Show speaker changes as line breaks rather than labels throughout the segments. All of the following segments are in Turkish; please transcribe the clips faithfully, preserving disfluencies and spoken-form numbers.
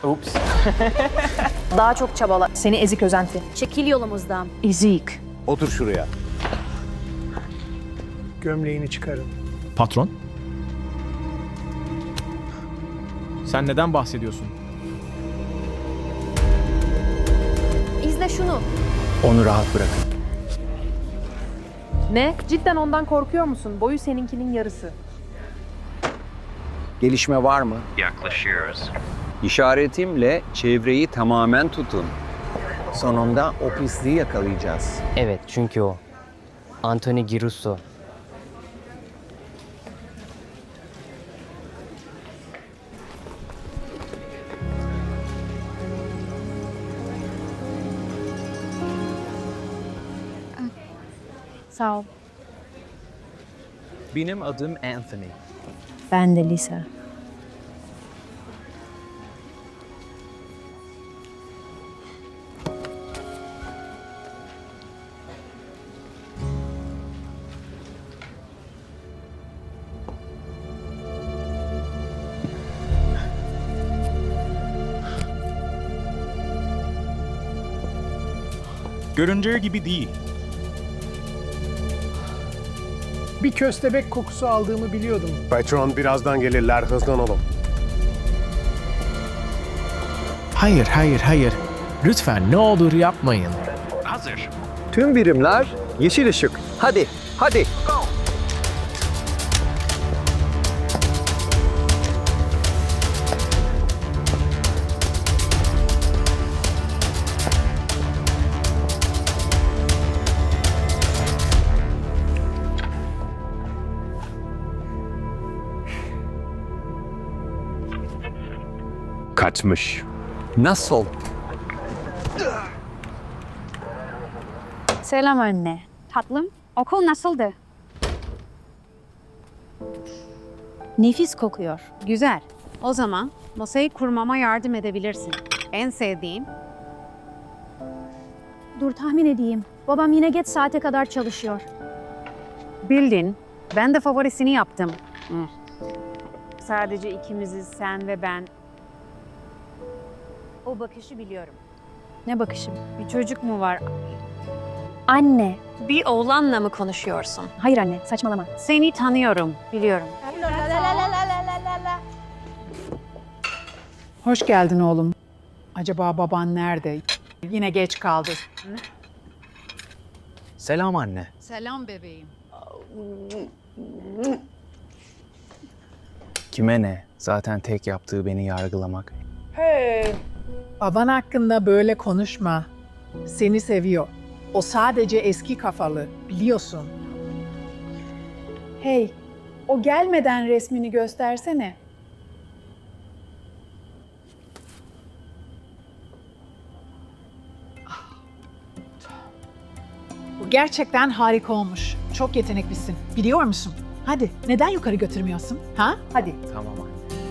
Ups.
Daha çok çabala.
Seni ezik özenti.
Çekil yolumuzdan.
Ezik.
Otur şuraya.
Gömleğini çıkarın.
Patron? Sen neden bahsediyorsun?
İzle şunu.
Onu rahat bırakın.
Ne? Cidden ondan korkuyor musun? Boyu seninkinin yarısı.
Gelişme var mı?
Yaklaşıyoruz.
İşaretimle çevreyi tamamen tutun. Sonunda o pisliği yakalayacağız.
Evet, çünkü o. Anthony Girusso.
Sağ ol.
Benim adım Anthony.
Ben de Lisa.
Göründüğü gibi değil.
Bir köstebek kokusu aldığımı biliyordum.
Patron birazdan gelirler, hızlanalım.
Hayır, hayır, hayır. Lütfen ne olur yapmayın.
Hazır.
Tüm birimler yeşil ışık. Hadi, hadi.
Kaçmış.
Nasıl?
Selam anne.
Tatlım, okul nasıldı?
Nefis kokuyor.
Güzel. O zaman masayı kurmama yardım edebilirsin. En sevdiğim.
Dur tahmin edeyim. Babam yine geç saate kadar çalışıyor.
Bildin. Ben de favorisini yaptım. Hmm. Sadece ikimiziz, sen ve ben. O bakışı biliyorum.
Ne bakışım?
Bir çocuk mu var?
Anne.
Bir oğlanla mı konuşuyorsun?
Hayır anne, saçmalama.
Seni tanıyorum, biliyorum.
Hoş geldin oğlum. Acaba baban nerede? Yine geç kaldı.
Selam anne.
Selam bebeğim.
Kime ne? Zaten tek yaptığı beni yargılamak.
Baban hakkında böyle konuşma. Seni seviyor. O sadece eski kafalı, biliyorsun. Hey, o gelmeden resmini göstersene. Bu gerçekten harika olmuş. Çok yeteneklisin. Biliyor musun? Hadi, neden yukarı götürmüyorsun? Ha? Hadi.
Tamam anne.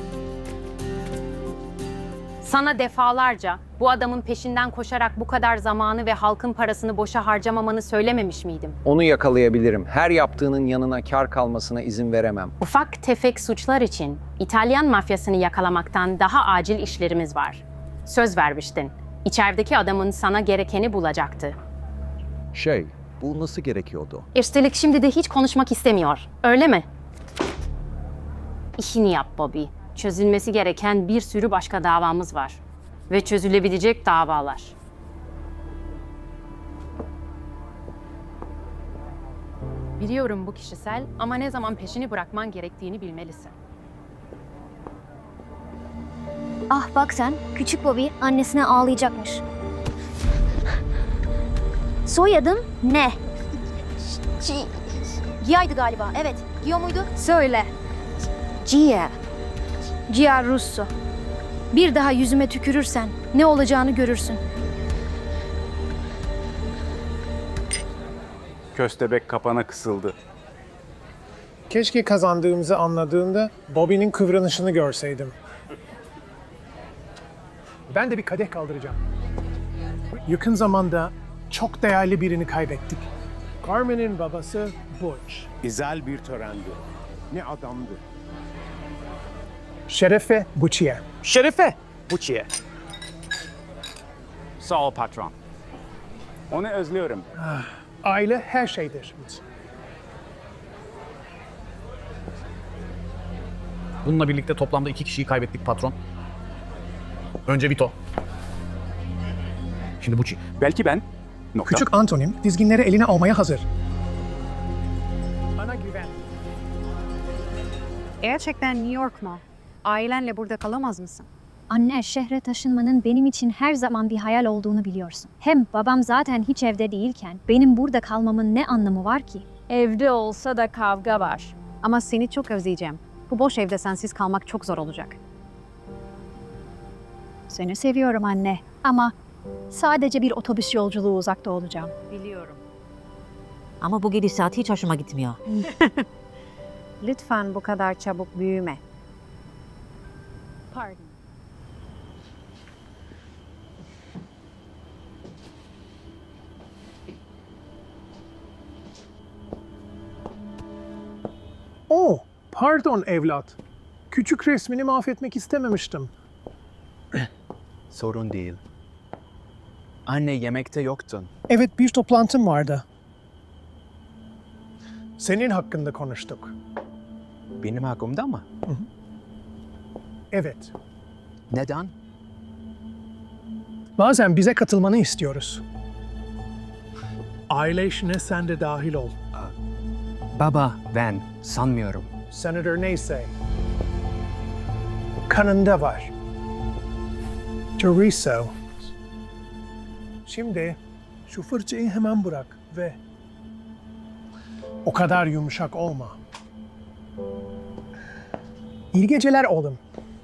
Sana defalarca bu adamın peşinden koşarak bu kadar zamanı ve halkın parasını boşa harcamamanı söylememiş miydim?
Onu yakalayabilirim. Her yaptığının yanına kar kalmasına izin veremem.
Ufak tefek suçlar için İtalyan mafyasını yakalamaktan daha acil işlerimiz var. Söz vermiştin. İçerideki adamın sana gerekeni bulacaktı.
Şey, bu nasıl gerekiyordu?
Üstelik şimdi de hiç konuşmak istemiyor. Öyle mi? İşini yap Bobby. Çözülmesi gereken bir sürü başka davamız var. Ve çözülebilecek davalar. Biliyorum bu kişisel ama ne zaman peşini bırakman gerektiğini bilmelisin.
Ah bak sen, küçük Bobby annesine ağlayacakmış. Soyadın ne? Gia'ydı galiba, evet. Gia muydu? Söyle. Gia. Gia Russo. Bir daha yüzüme tükürürsen ne olacağını görürsün.
Köstebek kapana kısıldı.
Keşke kazandığımızı anladığında Bobby'nin kıvranışını görseydim. Ben de bir kadeh kaldıracağım. Yakın zamanda çok değerli birini kaybettik. Carmen'in babası Butch.
İzel bir törendi. Ne adamdı.
Şerefe Butch'ye.
Şerefe! Buçiye.
Sağ ol patron. Onu özlüyorum.
Aile her şeydir.
Bununla birlikte toplamda iki kişiyi kaybettik patron. Önce Vito. Şimdi Bucci.
Belki ben. Nokta.
Küçük Antonin dizginleri eline almaya hazır. Bana güven.
Gerçekten New York mu? Ailenle burada kalamaz mısın?
Anne, şehre taşınmanın benim için her zaman bir hayal olduğunu biliyorsun. Hem babam zaten hiç evde değilken benim burada kalmamın ne anlamı var ki?
Evde olsa da kavga var.
Ama seni çok özleyeceğim. Bu boş evde sensiz kalmak çok zor olacak.
Seni seviyorum anne ama sadece bir otobüs yolculuğu uzakta olacağım.
Biliyorum.
Ama bu gidişat hiç hoşuma gitmiyor.
Lütfen bu kadar çabuk büyüme.
Pardon.
Oh, pardon evlat. Küçük resmini mahvetmek istememiştim.
Sorun değil. Anne yemekte yoktun.
Evet, bir toplantım vardı. Senin hakkında konuştuk.
Benim hakkımda mı?
Evet.
Neden?
Bazen bize katılmanı istiyoruz. Aile işine sen de dahil ol.
Baba, ben sanmıyorum.
Senator neyse. Kanında var. Teresa. Şimdi şu fırçayı hemen bırak ve o kadar yumuşak olma. İyi geceler oğlum.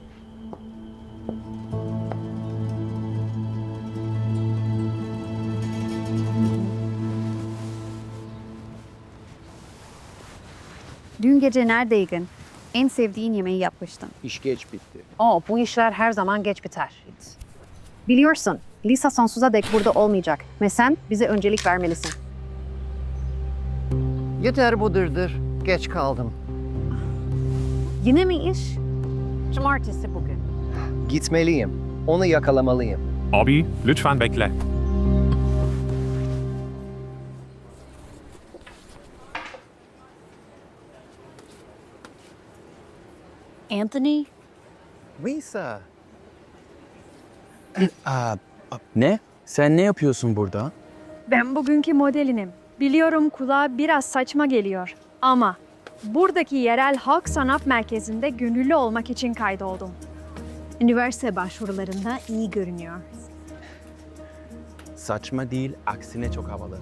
Dün gece neredeydin? En sevdiğin yemeği yapmıştın.
İş geç bitti.
Oh, bu işler her zaman geç biter. Biliyorsun, Lisa sonsuza dek burada olmayacak ve sen bize öncelik vermelisin.
Yeter bu dırdır. Geç kaldım.
Yine mi iş? Cumartesi bugün.
Gitmeliyim. Onu yakalamalıyım.
Abi, lütfen bekle.
Anthony?
Lisa. Aa, ne? Sen ne yapıyorsun burada?
Ben bugünkü modelinim. Biliyorum kulağa biraz saçma geliyor ama buradaki yerel halk sanat merkezinde gönüllü olmak için kaydoldum. Üniversite başvurularında iyi görünüyor.
Saçma değil, aksine çok havalı.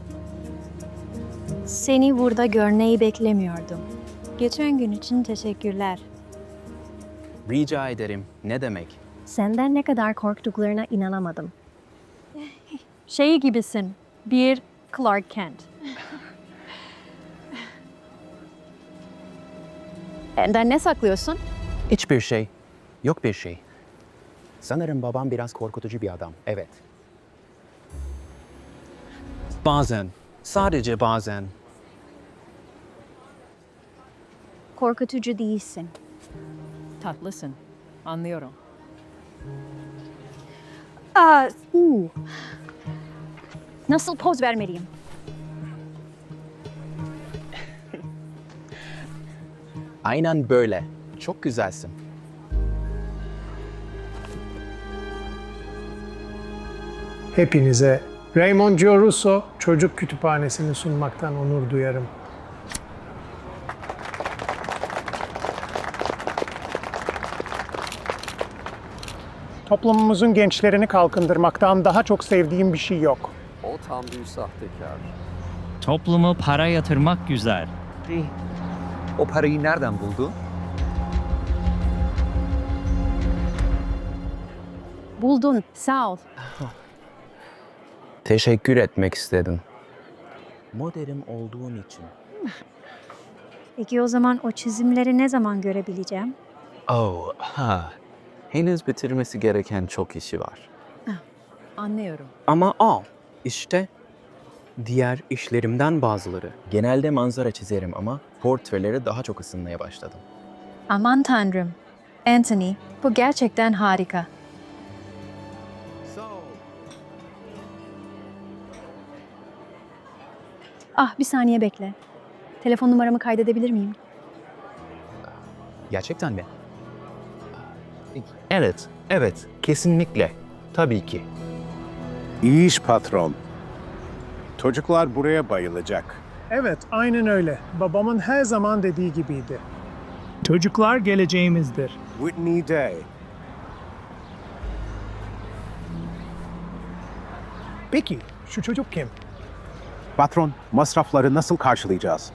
Seni burada görmeyi beklemiyordum. Geçen gün için teşekkürler.
Rica ederim. Ne demek?
Senden ne kadar korktuklarına inanamadım. Şey gibisin, bir Clark Kent. Benden ne saklıyorsun?
Hiçbir şey. Yok bir şey. Sanırım babam biraz korkutucu bir adam. Evet. Bazen. Sadece bazen.
Korkutucu değilsin.
Tatlısın. Anlıyorum.
Aa, uu. Nasıl poz vermeliyim?
Aynen böyle. Çok güzelsin.
Hepinize Raymond Giorusso Çocuk Kütüphanesi'ni sunmaktan onur duyarım. Toplumumuzun gençlerini kalkındırmaktan daha çok sevdiğim bir şey yok.
O tam bir sahtekar.
Toplumu para yatırmak güzel.
O parayı nereden buldu?
Buldun, sağ ol.
Teşekkür etmek istedim. Modelim olduğun için.
Peki o zaman o çizimleri ne zaman görebileceğim?
Oh, ha. Henüz bitirmesi gereken çok işi var.
Anlıyorum.
Ama al, işte diğer işlerimden bazıları. Genelde manzara çizerim ama portrelere daha çok ısınmaya başladım.
Aman tanrım. Anthony, bu gerçekten harika. Ah bir saniye bekle. Telefon numaramı kaydedebilir miyim?
Gerçekten mi? Evet, evet. Kesinlikle. Tabii ki.
İyi iş patron. Çocuklar buraya bayılacak.
Evet, aynen öyle. Babamın her zaman dediği gibiydi. Çocuklar geleceğimizdir.
Whitney Day.
Peki, şu çocuk kim?
Patron, masrafları nasıl karşılayacağız?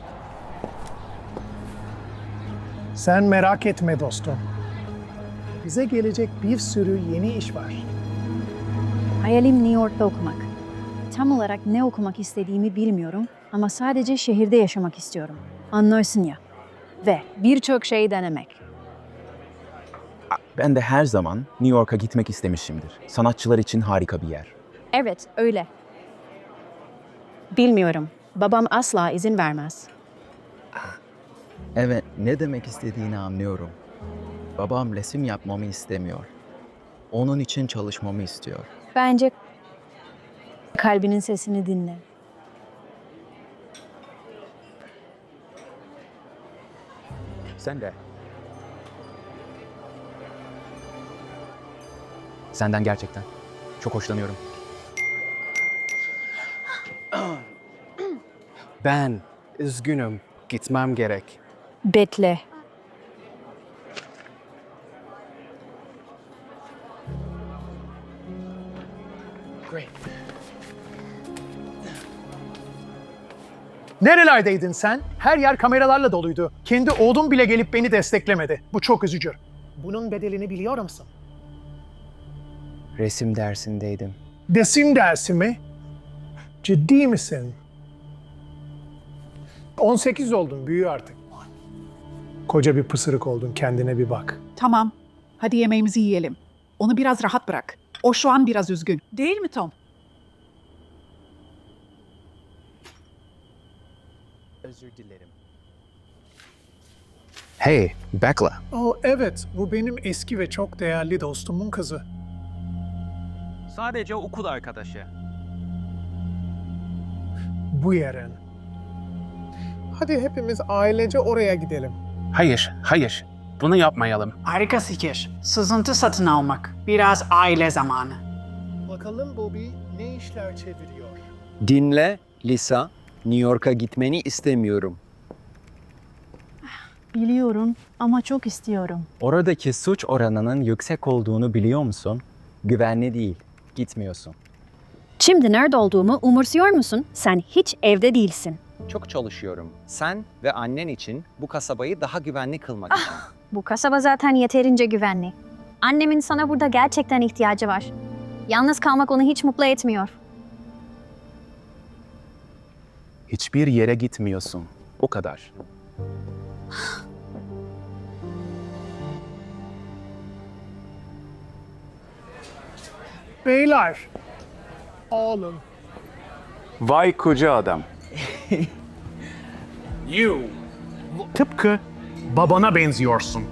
Sen merak etme dostum. Bize gelecek bir sürü yeni iş var.
Hayalim New York'ta okumak. Tam olarak ne okumak istediğimi bilmiyorum ama sadece şehirde yaşamak istiyorum. Anlarsın ya. Ve birçok şey denemek.
Ben de her zaman New York'a gitmek istemişimdir. Sanatçılar için harika bir yer.
Evet, öyle.
Bilmiyorum. Babam asla izin vermez.
Evet, ne demek istediğini anlıyorum. Babam resim yapmamı istemiyor. Onun için çalışmamı istiyor.
Bence kalbinin sesini dinle.
Sen de. Senden gerçekten çok hoşlanıyorum.
Ben üzgünüm. Gitmem gerek.
Bekle.
Great.
Nerelerdeydin sen? Her yer kameralarla doluydu. Kendi oğlum bile gelip beni desteklemedi. Bu çok üzücü. Bunun bedelini biliyor musun?
Resim dersindeydim.
Resim dersi mi? Ciddi misin? on sekiz oldun, büyü artık. Koca bir pısırık oldun, kendine bir bak.
Tamam. Hadi yemeğimizi yiyelim. Onu biraz rahat bırak. O şu an biraz üzgün. Değil mi Tom?
Özür dilerim.
Hey, Bekla.
Oh evet, bu benim eski ve çok değerli dostumun kızı.
Sadece okul arkadaşı.
Bu yarın. Hadi hepimiz ailece oraya gidelim.
Hayır, hayır. Bunu yapmayalım.
Harika fikir. Sızıntı satın almak. Biraz aile zamanı.
Bakalım Bobby ne işler çeviriyor?
Dinle Lisa, New York'a gitmeni istemiyorum.
Biliyorum ama çok istiyorum.
Oradaki suç oranının yüksek olduğunu biliyor musun? Güvenli değil. Gitmiyorsun.
Şimdi nerede olduğumu umursuyor musun? Sen hiç evde değilsin.
Çok çalışıyorum. Sen ve annen için bu kasabayı daha güvenli kılmak için.
Bu kasaba zaten yeterince güvenli. Annemin sana burada gerçekten ihtiyacı var. Yalnız kalmak onu hiç mutlu etmiyor.
Hiçbir yere gitmiyorsun. O kadar.
Beyler, oğlum.
Vay koca adam.
Tıpkı babana benziyorsun.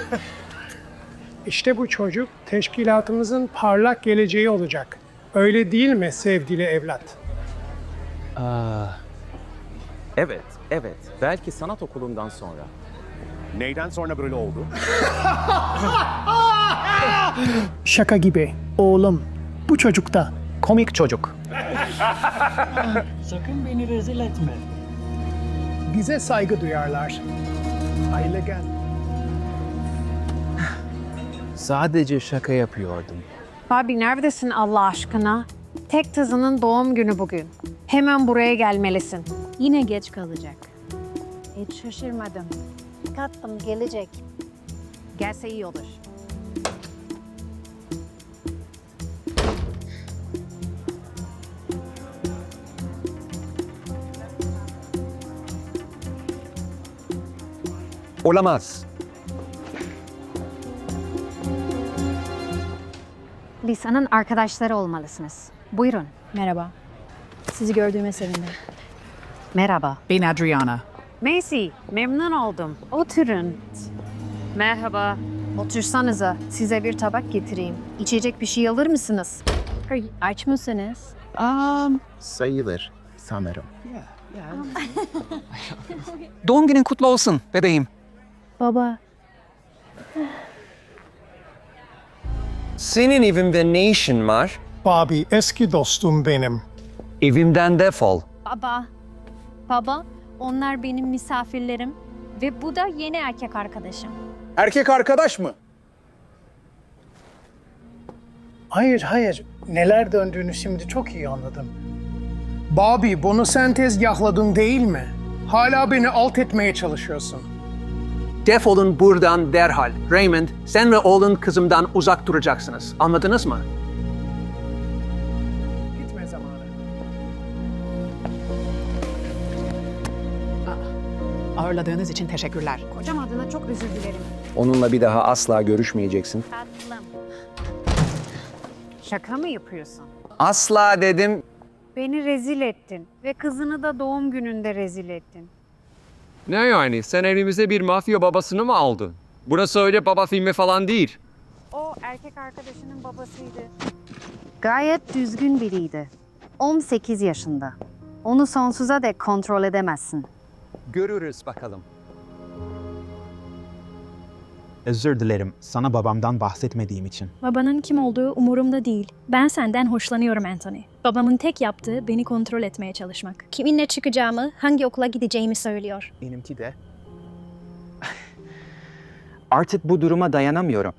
İşte bu çocuk teşkilatımızın parlak geleceği olacak. Öyle değil mi sevgili evlat?
Evet, evet. Belki sanat okulundan sonra.
Neyden sonra böyle oldu?
Şaka gibi. Oğlum, bu çocuk da komik çocuk.
Sakın beni rezil etme.
Bize saygı duyarlar. Aile gel.
Sadece şaka yapıyordum.
Abi neredesin Allah aşkına? Tek kızının doğum günü bugün. Hemen buraya gelmelisin.
Yine geç kalacak.
Hiç şaşırmadım. Tatlım gelecek. Gelse iyi olur.
Olamaz.
Lisa'nın arkadaşları olmalısınız. Buyurun.
Merhaba. Sizi gördüğüme sevindim.
Merhaba.
Ben Adriana.
Macy, memnun oldum. Oturun. Merhaba. Otursanıza. Size bir tabak getireyim. İçecek bir şey alır mısınız?
Aç mısınız?
Um, sayılır sanırım.
Doğum günün kutlu olsun bebeğim.
Baba,
Senin evimde ne işin var?
Bobby eski dostum benim.
Evimden defol.
baba, baba, onlar benim misafirlerim ve bu da yeni erkek arkadaşım.
Erkek arkadaş mı?
Hayır hayır, neler döndüğünü şimdi çok iyi anladım. Bobby, bunu sen tezgahladın değil mi? Hala beni alt etmeye çalışıyorsun.
Defolun buradan derhal. Raymond, sen ve oğlun kızımdan uzak duracaksınız. Anladınız mı?
Gitme zamanı.
Ağırladığınız için teşekkürler.
Kocam adına çok özür dilerim.
Onunla bir daha asla görüşmeyeceksin.
Tatlım. Şaka mı yapıyorsun?
Asla dedim.
Beni rezil ettin ve kızını da doğum gününde rezil ettin.
Ne yani? Sen elimize bir mafya babasını mı aldın? Burası öyle baba filmi falan değil.
O erkek arkadaşının babasıydı. Gayet düzgün biriydi. on sekiz yaşında. Onu sonsuza dek kontrol edemezsin.
Görürüz bakalım.
Özür dilerim sana babamdan bahsetmediğim için.
Babanın kim olduğu umurumda değil. Ben senden hoşlanıyorum Anthony. Babamın tek yaptığı beni kontrol etmeye çalışmak. Kiminle çıkacağımı, hangi okula gideceğimi söylüyor.
Benimki de. Artık bu duruma dayanamıyorum.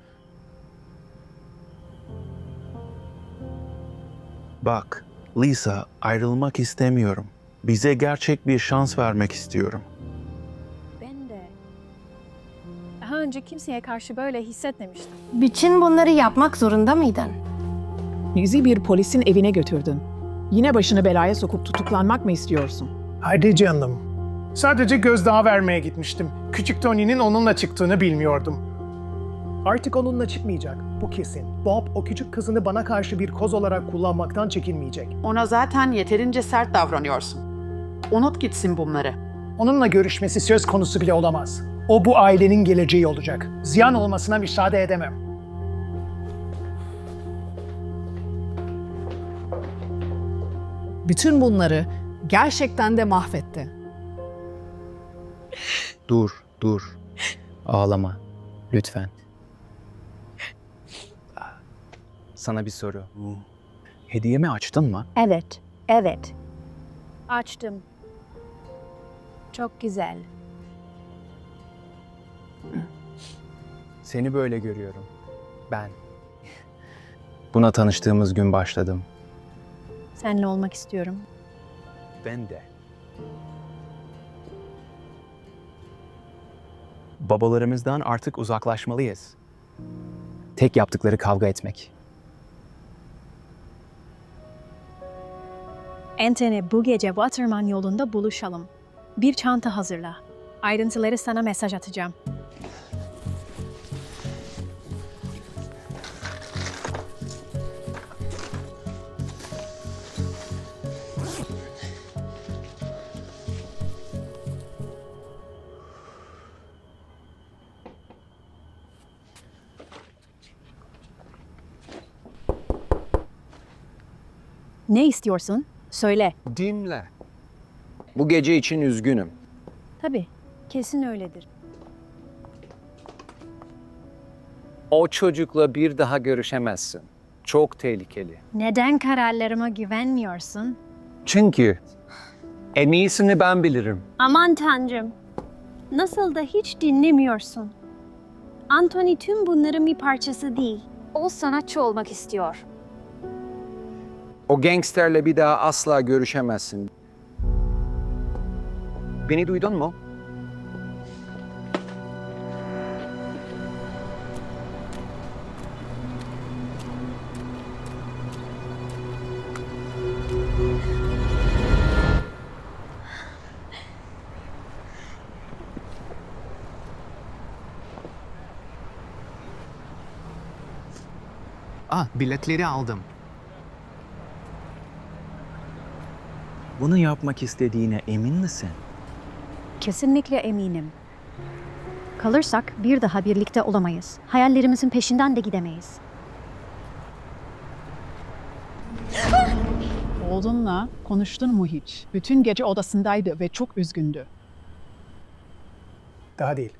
Bak, Lisa, ayrılmak istemiyorum. Bize gerçek bir şans vermek istiyorum.
Ben de. Daha önce kimseye karşı böyle hissetmemiştim.
Bütün bunları yapmak zorunda mıydın?
Bizi bir polisin evine götürdün. Yine başını belaya sokup tutuklanmak mı istiyorsun?
Hadi canım. Sadece gözdağı vermeye gitmiştim. Küçük Tony'nin onunla çıktığını bilmiyordum. Artık onunla çıkmayacak, bu kesin. Bob o küçük kızını bana karşı bir koz olarak kullanmaktan çekinmeyecek.
Ona zaten yeterince sert davranıyorsun. Unut gitsin bunları.
Onunla görüşmesi söz konusu bile olamaz. O bu ailenin geleceği olacak. Ziyan olmasına müsaade edemem.
Bütün bunları gerçekten de mahvetti.
Dur, dur. Ağlama. Lütfen. Sana bir soru. Hediyemi açtın mı?
Evet, evet. Açtım. Çok güzel.
Seni böyle görüyorum. Ben. Buna tanıştığımız gün başladım.
Seninle olmak istiyorum.
Ben de. Babalarımızdan artık uzaklaşmalıyız. Tek yaptıkları kavga etmek.
Anthony, bu gece Waterman yolunda buluşalım. Bir çanta hazırla. Ayrıntıları sana mesaj atacağım. Ne istiyorsun? Söyle.
Dinle. Bu gece için üzgünüm.
Tabii, kesin öyledir.
O çocukla bir daha görüşemezsin. Çok tehlikeli.
Neden kararlarıma güvenmiyorsun?
Çünkü en iyisini ben bilirim.
Aman Tanrım. Nasıl da hiç dinlemiyorsun. Anthony tüm bunların bir parçası değil. O sanatçı olmak istiyor.
O gangsterle bir daha asla görüşemezsin. Beni duydun mu?
Ah, biletleri aldım.
Bunu yapmak istediğine emin misin?
Kesinlikle eminim. Kalırsak bir daha birlikte olamayız. Hayallerimizin peşinden de gidemeyiz.
Oğlunla konuştun mu hiç? Bütün gece odasındaydı ve çok üzgündü.
Daha değil.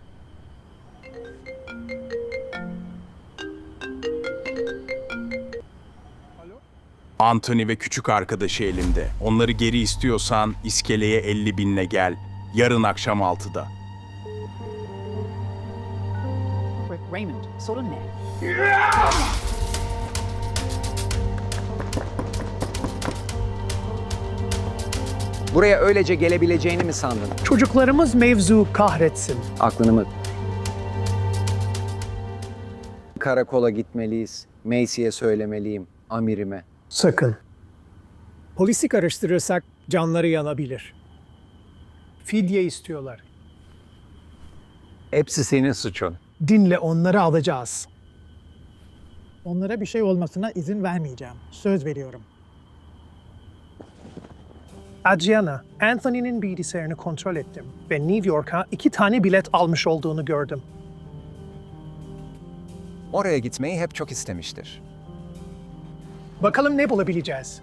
Anthony ve küçük arkadaşı elimde. Onları geri istiyorsan iskeleye elli binle gel. Yarın akşam altıda.
Raymond, sorun ne?
Buraya öylece gelebileceğini mi sandın?
Çocuklarımız mevzu kahretsin.
Aklını mı? Karakola gitmeliyiz. Macy'ye söylemeliyim. Amirime.
Sakın. Polisi karıştırırsak canları yanabilir. Fidye istiyorlar.
Hepsi senin suçun.
Dinle, onları alacağız.
Onlara bir şey olmasına izin vermeyeceğim. Söz veriyorum.
Adriana, Anthony'nin bilgisayarını kontrol ettim ve New York'a iki tane bilet almış olduğunu gördüm.
Oraya gitmeyi hep çok istemiştir.
Bakalım ne bulabileceğiz.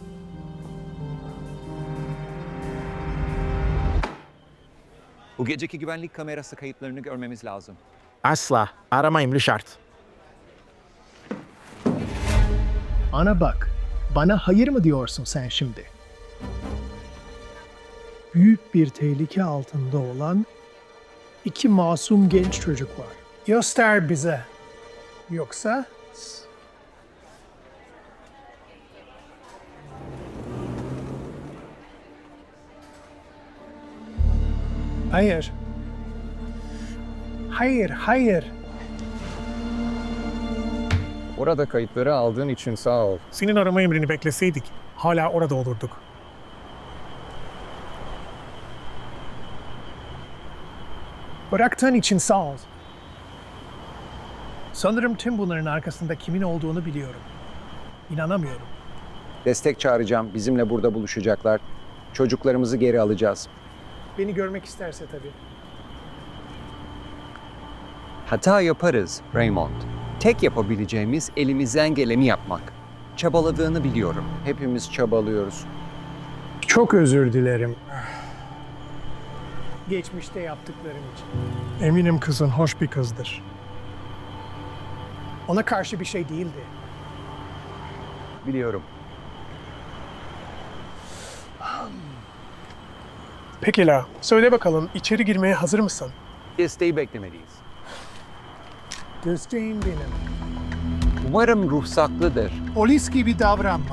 Bu geceki güvenlik kamerası kayıtlarını görmemiz lazım.
Asla. Aramayın Richard.
Ana bak, bana hayır mı diyorsun sen şimdi? Büyük bir tehlike altında olan iki masum genç çocuk var. Göster bize. Yoksa... Hayır. Hayır, hayır.
Orada kayıtları aldığın için sağ ol.
Senin arama emrini bekleseydik hala orada olurduk. Bıraktığın için sağ ol. Sanırım tüm bunların arkasında kimin olduğunu biliyorum. İnanamıyorum.
Destek çağıracağım. Bizimle burada buluşacaklar. Çocuklarımızı geri alacağız.
Beni görmek isterse tabii.
Hata yaparız Raymond. Tek yapabileceğimiz elimizden geleni yapmak. Çabaladığını biliyorum. Hepimiz çabalıyoruz.
Çok özür dilerim. Geçmişte yaptıklarım için. Eminim kızın hoş bir kızdır. Ona karşı bir şey değildi.
Biliyorum.
Pekala, söyle bakalım içeri girmeye hazır mısın?
Desteği beklemeliyiz.
Desteğin benim.
Umarım ruhsatlıdır.
Polis gibi davranma.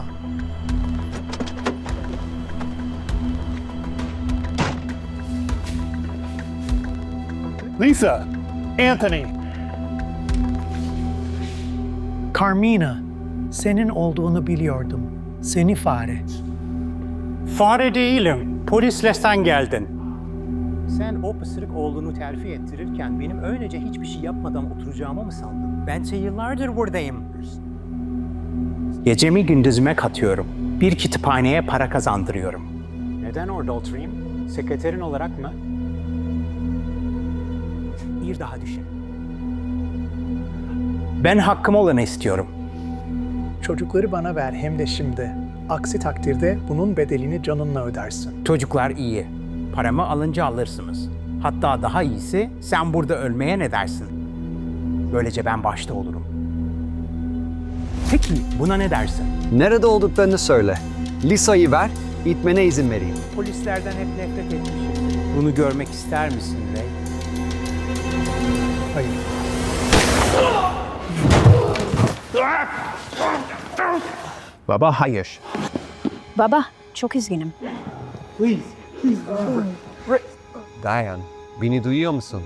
Lisa, Anthony. Carmina, senin olduğunu biliyordum. Seni fare.
Fare değilim. Polisle sen geldin. Sen o pısırık oğlunu terfi ettirirken benim öylece hiçbir şey yapmadan oturacağımı mı sandın? Bense yıllardır buradayım. Gecemi gündüzüme katıyorum. Bir kütüphaneye para kazandırıyorum. Neden orada oturayım? Sekreterin olarak mı? Bir daha düşün. Ben hakkım olanı istiyorum.
Çocukları bana ver hem de şimdi. Aksi takdirde bunun bedelini canınla ödersin.
Çocuklar iyi. Paramı alınca alırsınız. Hatta daha iyisi sen burada ölmeye ne dersin? Böylece ben başta olurum. Peki buna ne dersin?
Nerede olduklarını söyle. Lisa'yı ver, gitmene izin vereyim.
Polislerden hep nefret etmişim. Bunu görmek ister misin Ray?
Hayır.
Baba hayır.
Baba, çok üzgünüm.
Dayan, beni duyuyor musun?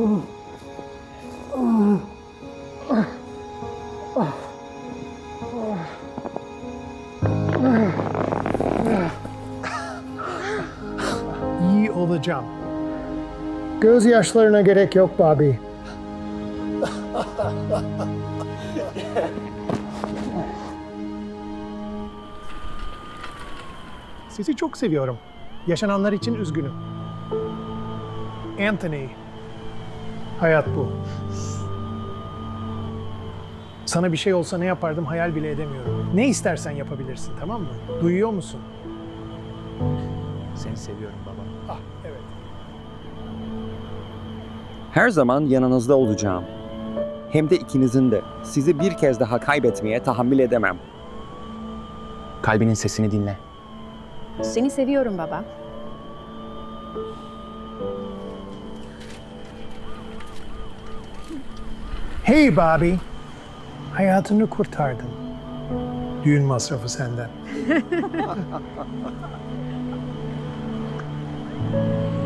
İyi olacağım. Gözyaşlarına gerek yok Bobby. Sizi çok seviyorum. Yaşananlar için üzgünüm. Anthony, hayat bu. Sana bir şey olsa ne yapardım hayal bile edemiyorum. Ne istersen yapabilirsin, tamam mı? Duyuyor musun?
Seni seviyorum baba.
Ah, evet.
Her zaman yanınızda olacağım. Hem de ikinizin de. Sizi bir kez daha kaybetmeye tahammül edemem.
Kalbinin sesini dinle.
Seni seviyorum baba.
Hey Bobby, hayatını kurtardın. Düğün masrafı senden.